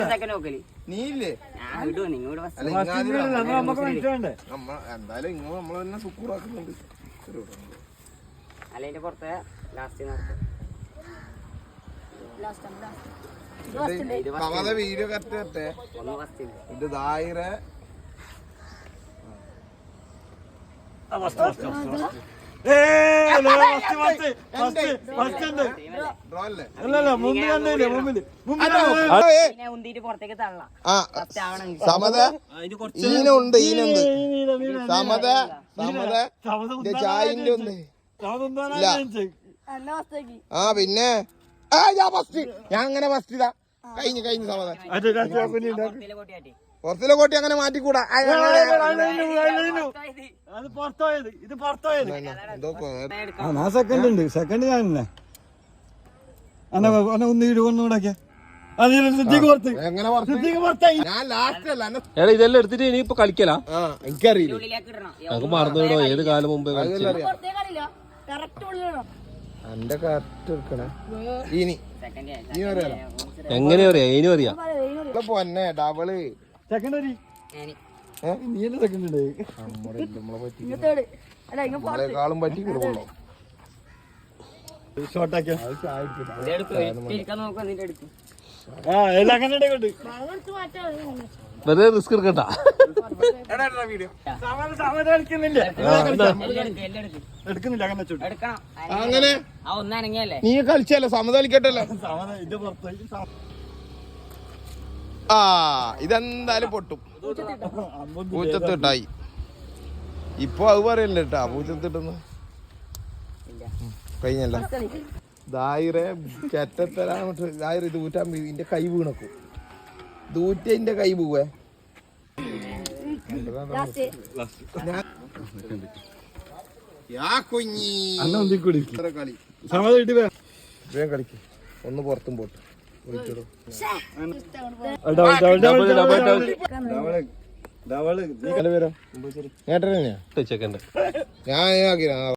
നീയില്ലേ എന്തായാലും ഇങ്ങ നമ്മള് തന്നെ സുക്കൂറാക്കുന്നുണ്ട്. വീഡിയോ കറക്റ്റ് കറക്റ്റേ ഇത് ദായിര ഈനുണ്ട് സമത ചായന്റെ ഉണ്ട്. പിന്നെ ഞാൻ അങ്ങനെ ഫസ്റ്റ് ഇതാ കഴിഞ്ഞു സമത പുറത്തിലെ കോട്ടി അങ്ങനെ മാറ്റിക്കൂടാ. സെക്കൻഡ് ഉണ്ട്. സെക്കൻഡ് ഞാൻ ഇതെല്ലാം എടുത്തിട്ട് ഇനിയിപ്പോ കളിക്കലാ? എനിക്കറിയില്ല, നമുക്ക് മറന്നുവിടോ ഏത് കാലം മുമ്പേ എന്റെ കറക്റ്റ് എടുക്കണേ. ഇനി എങ്ങനെ അറിയാം? ഇനി അറിയാം പൊന്നെ ഡബിള് നമ്മളെക്കാളും പറ്റി കൊടുക്കണോ? വെറുതെ റിസ്ക് എടുക്കണ്ട. അങ്ങനെ നീ കളിച്ചല്ലേ സമത കളിക്കട്ടല്ലേ? ആ ഇതെന്തായാലും പൊട്ടും. പൂച്ചത്തിട്ടായി ഇപ്പൊ അത് പറയല്ലേ കേട്ടാ പൂച്ചത്തിട്ടെന്ന് കഴിഞ്ഞല്ല. ദായിറെ കെറ്റത്തരാമട്ട് ദായിര ഇത് ഊറ്റാൻ ഇതിന്റെ കൈ വീണക്കും. ദൂറ്റ ഇതിന്റെ കൈ പോവേ. കളിക്ക് ഒന്ന് പുറത്തും പോട്ട് കേട്ടോ ഞാൻ